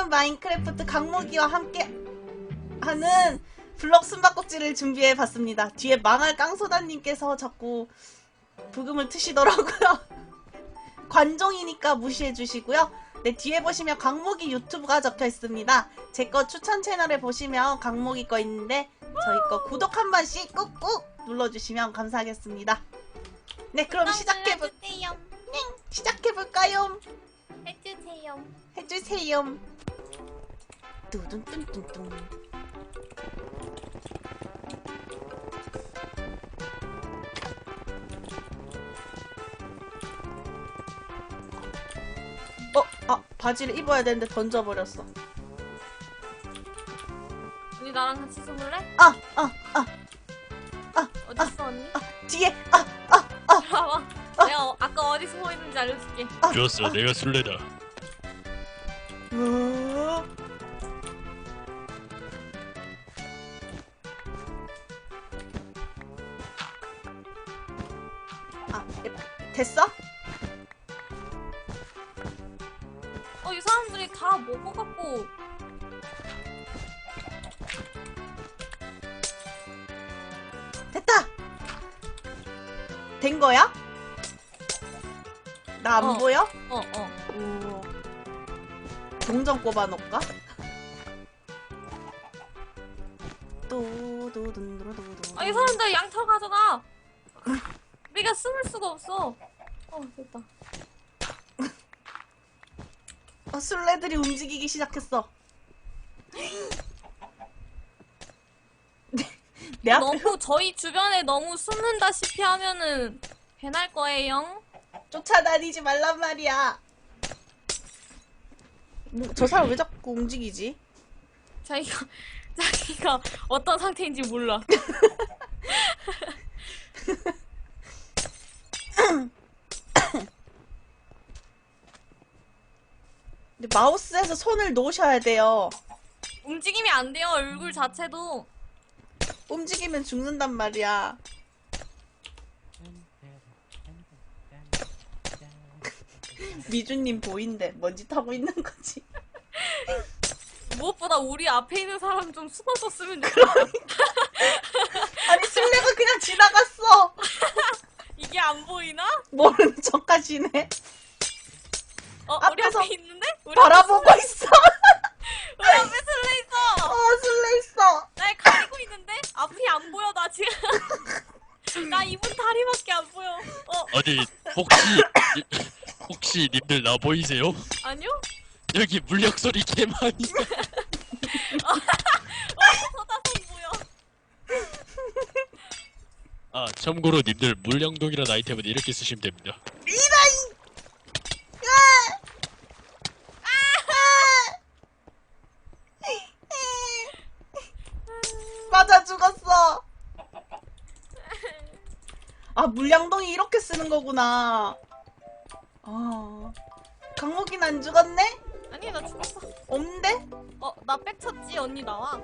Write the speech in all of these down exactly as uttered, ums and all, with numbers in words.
안녕하세요. 마인크래프트 강목이와 함께 하는 블럭 숨바꼭질을 준비해봤습니다. 뒤에 망할 깡소다님께서 자꾸 부금을 트시더라고요. 관종이니까 무시해주시고요. 네, 뒤에 보시면 강목이 유튜브가 적혀있습니다. 제 거 추천 채널에 보시면 강목이 거 있는데 저희 거 구독 한 번씩 꾹꾹 눌러주시면 감사하겠습니다. 네, 그럼 시작해볼... 네, 시작해볼까요? 해주세요. 해주세요. 뚜둔뚠뚠뚠. 어, 아, 바지를 입어야 되는데 던져버렸어. 언니 나랑 같이 숨을래? 아, 아, 아, 아, 어딨어 언니? 아, 뒤에, 아, 아, 아, 봐봐. 아. 내가 어, 아까 어디 숨어 있는지 알려줄게. 아, 좋았어, 아. 내가 술래다. 어... 아, 됐어? 어, 이 사람들이 다 먹어갖고. 됐다! 된 거야? 나 안 어. 보여? 어, 어. 오. 동전 꼽아놓을까? 또도둔도도도. 아, 이 사람들 양털 가져가. 우리가 숨을 수가 없어. 어, 됐다. 어, 술래들이 움직이기 시작했어. 내 앞에 너무 저희 주변에 너무 숨는다시피 하면은 배날 거예요. 쫓아다니지 말란 말이야. 뭐, 저 사람 왜 자꾸 움직이지? 자기가 자기가 어떤 상태인지 몰라. 근데 마우스에서 손을 놓으셔야 돼요. 움직임이 안 돼요. 얼굴 자체도. 움직이면 죽는단 말이야. 미주님 보인대. 뭔 짓 하고 있는 거지? 무엇보다 우리 앞에 있는 사람 좀 숨어줬으면 좋겠다. 아니 술래가 그냥 지나갔어. 이게 안 보이나? 모르는 척 하시네. 어, 우리 앞에서 앞에 있는데? 우리 바라보고 앞에 있어. 우리 앞에 술래 있어. 어, 술래 있어. 날 가리고 있는데? 앞이 안 보여, 나 지금. 나 이분 다리밖에 안 보여. 어, 아니, 혹시, 혹시 님들 나 보이세요? 아니요? 여기 물약 소리 개 많이. 어, 소다선 보여. 아, 참고로 님들 물량동이라는 아이템은 이렇게 쓰시면 됩니다. 이라이. 맞아 죽었어. 아, 물량동이 이렇게 쓰는 거구나. 아, 강목이는 안 죽었네? 아니, 나 죽었어. 없는데? 어, 나 빽쳤지? 언니 나와.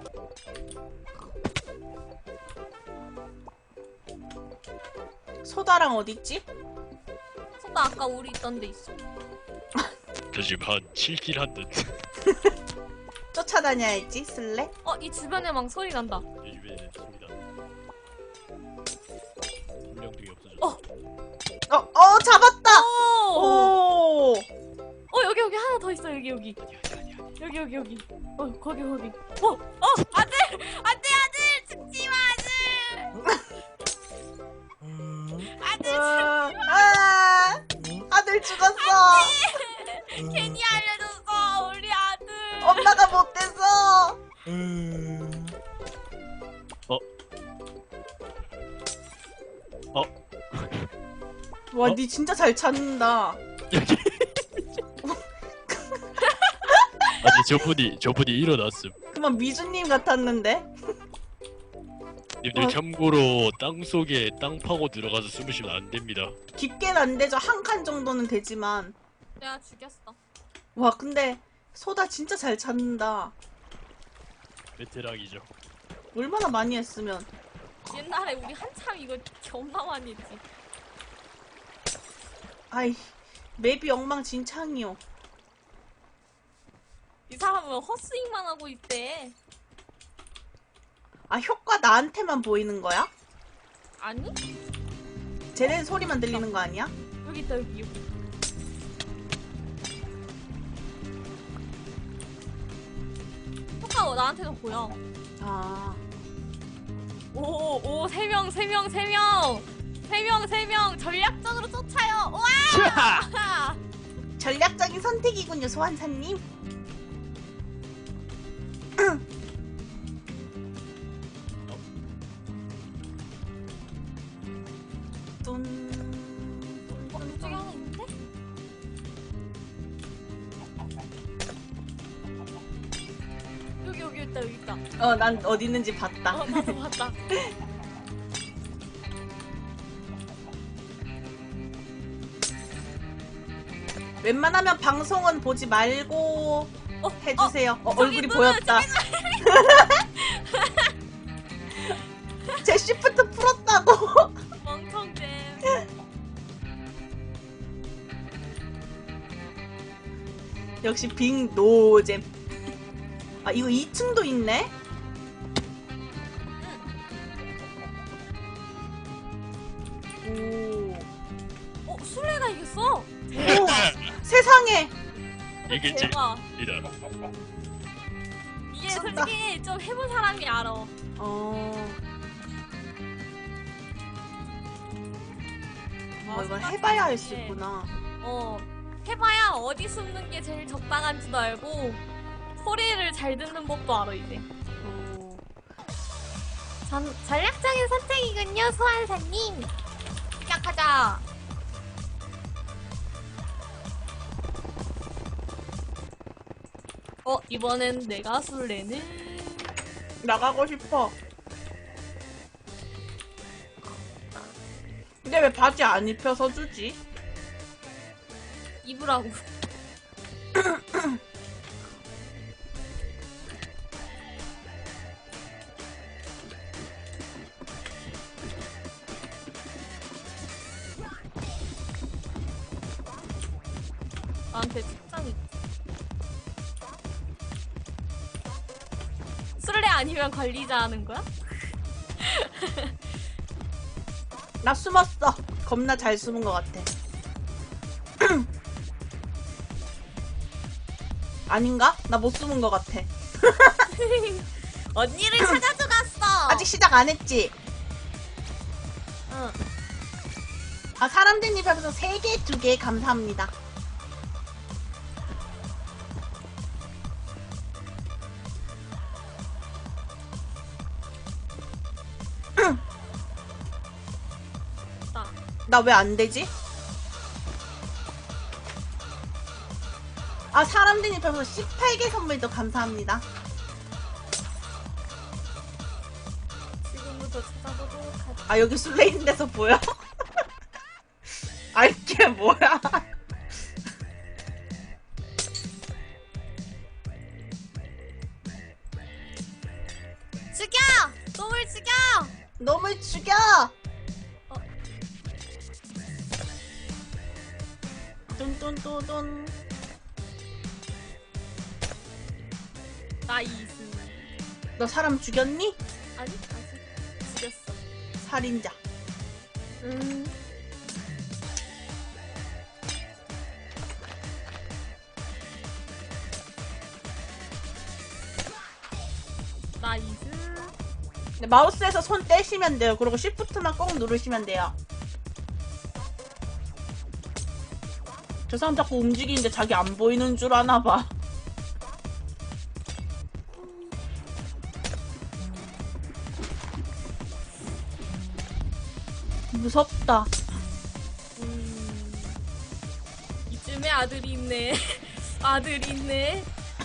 소다랑 어딨지? 소다 아까 우리 있던 데 있어. 저 지금 한 칠 킬 한 듯. 쫓아다녀야지, 쓸래? 어, 이 주변에 막 소리 난다. 이 주변에 소리다. 물량동이 없어졌어. 어. 어, 어, 잡았다! 오! 오! 어, 여기, 여기 하나 더 있어, 여기, 여기. 어디, 어디, 어디, 어디. 여기, 여기, 여기. 어, 거기, 거기. 어, 어, 아들! 아들, 아들! 죽지 마, 아들! 아들, 아, 아, 아들 죽었어! 괜히 알려줬어, 우리 아들! 엄마가 못돼서! 어? 어? 와, 어? 니 진짜 잘 찾는다. 여기. 아니, 저분이, 저분이 일어났음. 그만 미주님 같았는데? 님들 어. 참고로 땅속에 땅 파고 들어가서 숨으시면 안 됩니다. 깊게는 안 되죠. 한 칸 정도는 되지만. 내가 죽였어. 와, 근데 소다 진짜 잘 찾는다. 베테랑이죠. 얼마나 많이 했으면. 옛날에 우리 한참 이거 겁나 많이 했지. 아이, 맵이 엉망진창이요. 이 사람은 헛스윙만 하고 있대. 아, 효과 나한테만 보이는 거야? 아니? 쟤네 소리만 들리는 거 아니야? 여기 있다, 여기, 여기. 효과 나한테도 보여. 아, 오, 오, 세 명, 세 명, 세 명! 세 명, 세 명! 전략적으로 쫓아요! 우와! 전략적인 선택이군요, 소환사님. 뚠. 어, 이쪽에 하나 있는데? 여기, 여기 있다, 여기 있다. 어, 난 어디 있는지 봤다. 어, 나도 봤다. 웬만하면 방송은 보지 말고 어, 해주세요. 어, 저기 얼굴이 눈을, 보였다. 제 시프트 풀었다고. 멍청잼. 역시 빅 노잼. 아, 이거 이 층도 있네? 오. 어, 술래가 이겼어? 오, 세상에. 이길지 대박. 이런. 이게 미쳤다. 솔직히 좀 해본 사람이 알아. 어. 아, 어, 이건 생각해 해봐야 할 수 보니. 있구나. 어, 해봐야 어디 숨는 게 제일 적당한지도 알고 소리를 잘 듣는 법도 알아 이제. 어. 전 전략적인 선택이군요, 소환사님. 시작하자. 어, 이번엔 내가 술래는 나가고 싶어. 근데 왜 바지 안 입혀서 주지? 입으라고. 나한테 책장이. 술래 아니면 관리자 하는 거야? 나 숨었어. 겁나 잘 숨은 것 같아. 아닌가? 나 못 숨은 것 같아. 언니를 찾아줘 갔어. 아직 시작 안 했지? 응. 아, 사람들 입에서 세 개, 두 개 감사합니다. 나. 나 왜 안 되지? 아, 사람들 입에서 십팔 개 선물도 감사합니다. 지금부터 찾아보도록 하자. 아, 여기 술래 있는 데서 보여? 아, 이게 뭐야? 죽여! 놈을 죽여! 놈을 죽여! 어. 뚠뚠뚠뚠. 나이스. 너 사람 죽였니? 아니, 아직 죽였어. 살인자. 음. 나이스. 네, 마우스에서 손 떼시면 돼요. 그리고 쉬프트만 꼭 누르시면 돼요. 저 사람 자꾸 움직이는데 자기 안 보이는 줄 아나 봐. 무섭다. 음. 이쯤에 아들이 있네. 아들이 있네.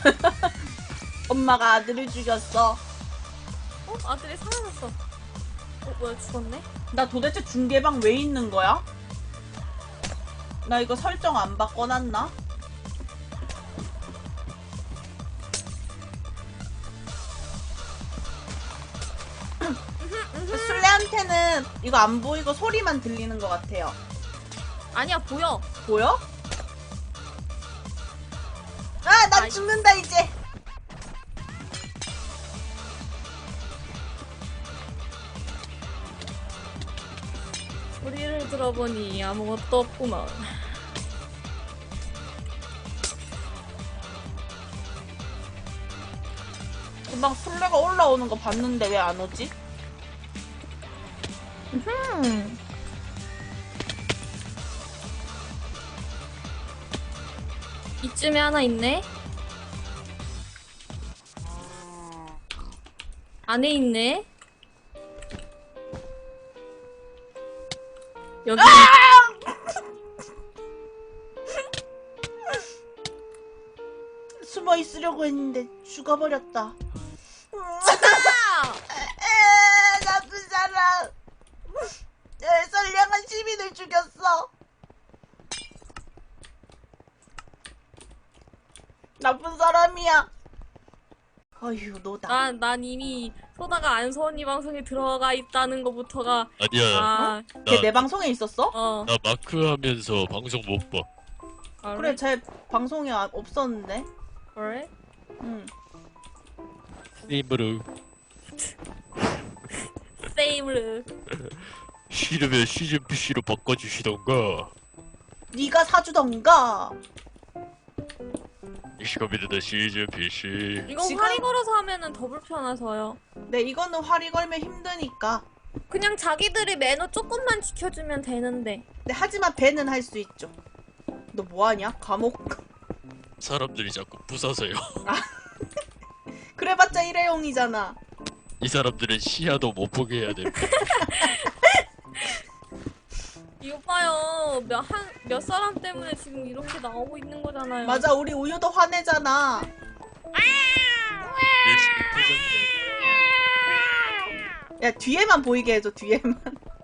엄마가 아들을 죽였어. 어? 아들이 사라졌어. 어, 뭐야, 죽었네? 나 도대체 중계방 왜 있는 거야? 나 이거 설정 안 바꿔놨나? 술래한테는 이거 안 보이고 소리만 들리는 것 같아요. 아니야, 보여. 보여? 아, 난 아이. 죽는다 이제. 들어보니 아무것도 없구만. 금방 술래가 올라오는 거 봤는데 왜 안 오지? 음. 이쯤에 하나 있네? 안에 있네? 여기 숨어 있으려고 했는데 죽어버렸다. 아! 에, 나쁜 사람. 에, 선량한 시민을 죽였어. 나쁜 사람이야. 어휴, 너다. 난, 난 이미 소다가 안소언니 방송에 들어가 있다는 것부터가 아니야. 아, 걔 내 나, 방송에 있었어? 어. 나 마크 하면서 방송 못 봐. 아, 그래, 제 방송에 아- 없었는데. 그래? 응. 게임으로 세임을 싫으면 시즌 피씨로 바꿔주시던가. 네가 사주던가. 이시겁니다 시즌 피씨. 이거 지금- 활이 걸어서 하면은 더 불편해서요. 네, 이거는 활이 걸면 힘드니까. 그냥 자기들이 매너 조금만 지켜주면 되는데. 네, 하지만 배는 할 수 있죠. 너 뭐하냐? 감옥. 사람들이 자꾸 부숴서요. 그래봤자 일회용이잖아. 이 사람들은 시야도 못 보게 해야 돼. 이거 봐요. 몇, 한, 몇 사람 때문에 지금 이렇게 나오고 있는 거잖아요. 맞아, 우리 우유도 화내잖아. 열심히 포장해. 야, 뒤에만 보이게 해줘, 뒤에만.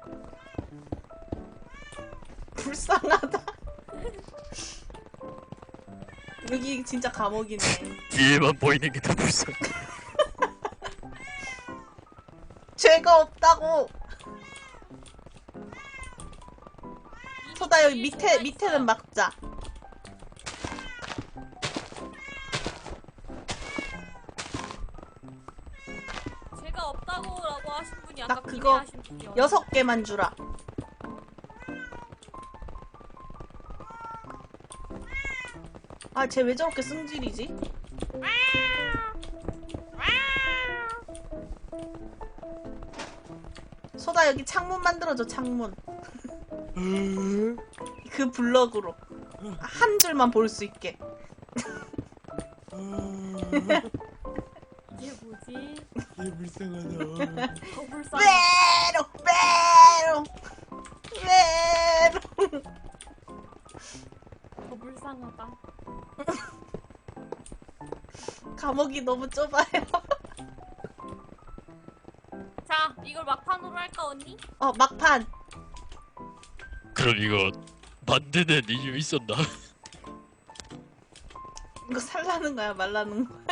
불쌍하다. 여기 진짜 감옥이네. 뒤에만 보이는 게 더 불쌍해. 죄가 없다고. 소다, 여기 밑에, 밑에는 막자. 제가 없다고라고 하신 분이 나 아까 그거 하신 분이요. 여섯 개만 주라. 아, 쟤 왜 저렇게 승질이지? 소다, 여기 창문 만들어줘, 창문. 그 블럭으로. 한 줄만 볼 수 있게. 이게 뭐지? 얘 불쌍하다. 더 불쌍. 메롱, 메롱, 메롱. 더 불쌍하다. 감옥이 너무 좁아요. 자, 이걸 막판으로 할까 언니? 어, 막판. 그럼 이거 만드는 이유 있었나? 이거 살라는 거야, 말라는 거야?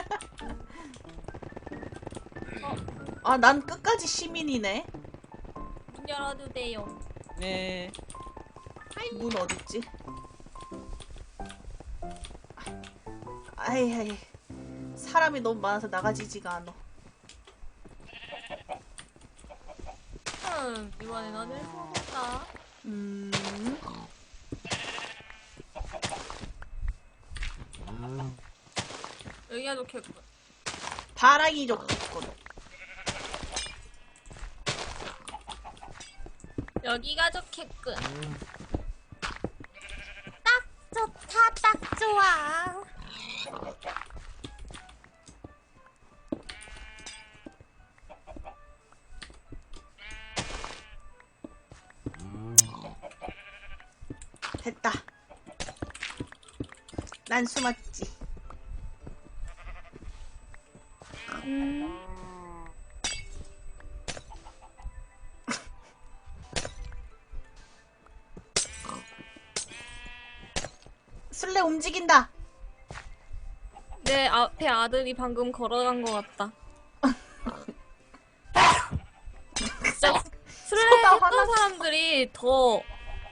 어, 아, 난 끝까지 시민이네. 문 열어도 돼요. 네. 문 어딨지? 아이, 아이. 사람이 너무 많아서 나가지지가 않아. 음, 이번엔 어딜 써볼까? 음. 여기가 좋겠군. 바람이 좋겠군. 여기가 좋겠군. 딱 좋다, 딱 좋아. 됐다. 난 숨었지. 음. 술래 움직인다. 내 앞에 아들이 방금 걸어간 것 같다. 진짜 술래 소다 했던 화났어. 사람들이 더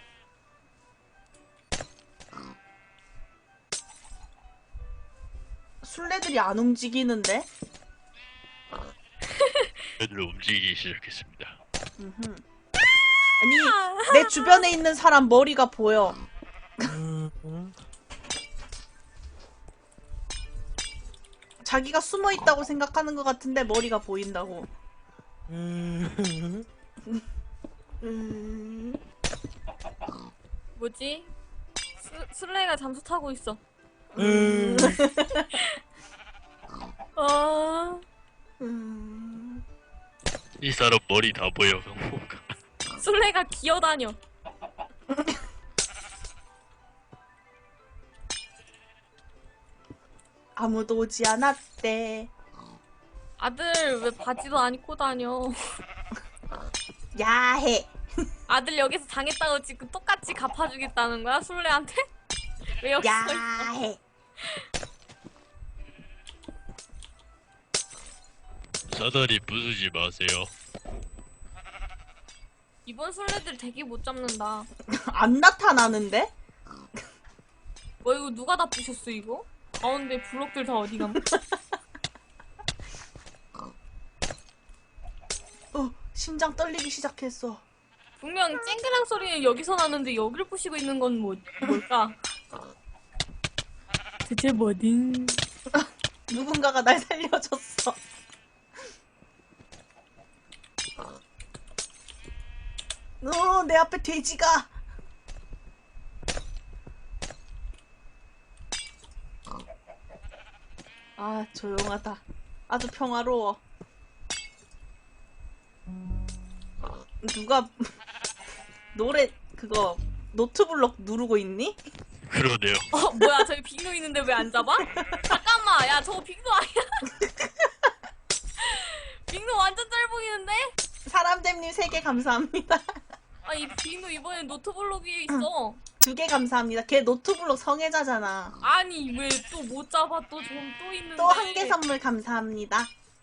술래들이 안 움직이는데? 애들 움직이기 시작했습니다. 음흠. 아니, 내 주변에 있는 사람 머리가 보여. 자기가 숨어 있다고 생각하는 것 같은데 머리가 보인다고. 음... 뭐지? 스, 슬레이가 잠수 타고 있어. 음... 어... 음... 이 사람 머리 다 보여. 뭔가. 슬레이가 기어다녀. 아무도 오지 않았대. 아들 왜 바지도 안 입고 다녀? 야해. 아들 여기서 당했다고 지금 똑같이 갚아주겠다는 거야? 술래한테? 왜 여기 서 있어? 야해. 사다리 부수지 마세요. 이번 술래들 되게 못 잡는다. 안 나타나는데? 뭐 이거 누가 다 부셨어 이거? 가운데 블록들 다 어디 감? 어, 심장 떨리기 시작했어. 분명 쨍그랑 소리는 여기서 나는데 여기를 부시고 있는 건 뭐, 뭘까? 대체 뭐든? 누군가가 날 살려줬어. 어, 내 앞에 돼지가. 아, 조용하다. 아주 평화로워. 누가 노래 그거 노트블럭 누르고 있니? 그러네요. 어 뭐야 저기 빙도 있는데 왜 안 잡아? 잠깐만 야 저거 빙도 아니야? 빙도 완전 짧 보이는데? 사람됨님 세 개 감사합니다. 아 이 빙도 이번엔 노트블록이 있어. 두 개 감사합니다. 걔 노트블럭 성애자잖아. 아니 왜 또 못 잡아 또 좀 또 있는데? 또 한 개 선물 감사합니다.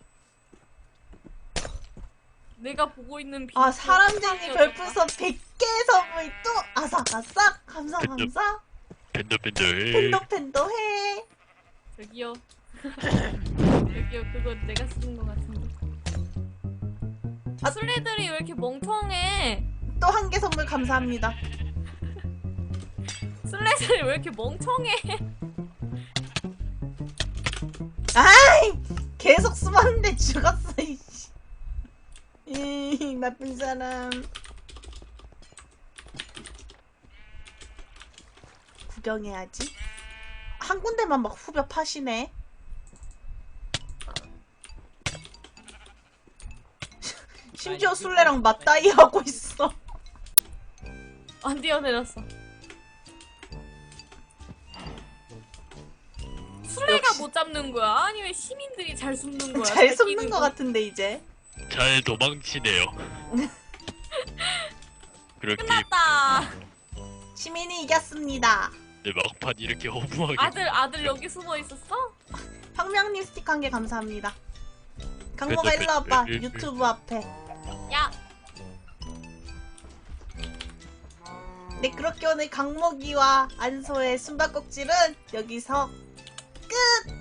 내가 보고 있는 빙도. 아, 사람쟁이 별풍선 백 개 선물 또 아삭아삭 감사 감사. 밴더밴더. 팬더팬더 해. 저기요. 저기요 그거 내가 쓰는 거 같은데. 아 술래들이 왜 이렇게 멍청해? 또 한 개 선물 감사합니다. 술래들이 왜 이렇게 멍청해? 아이, 계속 숨었는데 죽었어. 이씨. 이 나쁜 사람. 구경해야지. 한 군데만 막 후벼 파시네. 심지어 술래랑 맞다이 하고 있어. 안 뛰어내렸어. 술래가 역시. 못 잡는 거야? 아니 왜 시민들이 잘 숨는 거야? 잘 끼는 숨는 것 거. 같은데 이제. 잘 도망치네요. 그렇게 끝났다. 시민이 이겼습니다. 내 막판 이렇게 허무하게. 아들 아들 여기 숨어 있었어? 황명님 스티커 한 개 감사합니다. 강모가 일로 와봐. 유튜브 앞에. 야 네, 그렇게 오늘 강목이와 안소의 숨바꼭질은 여기서 끝!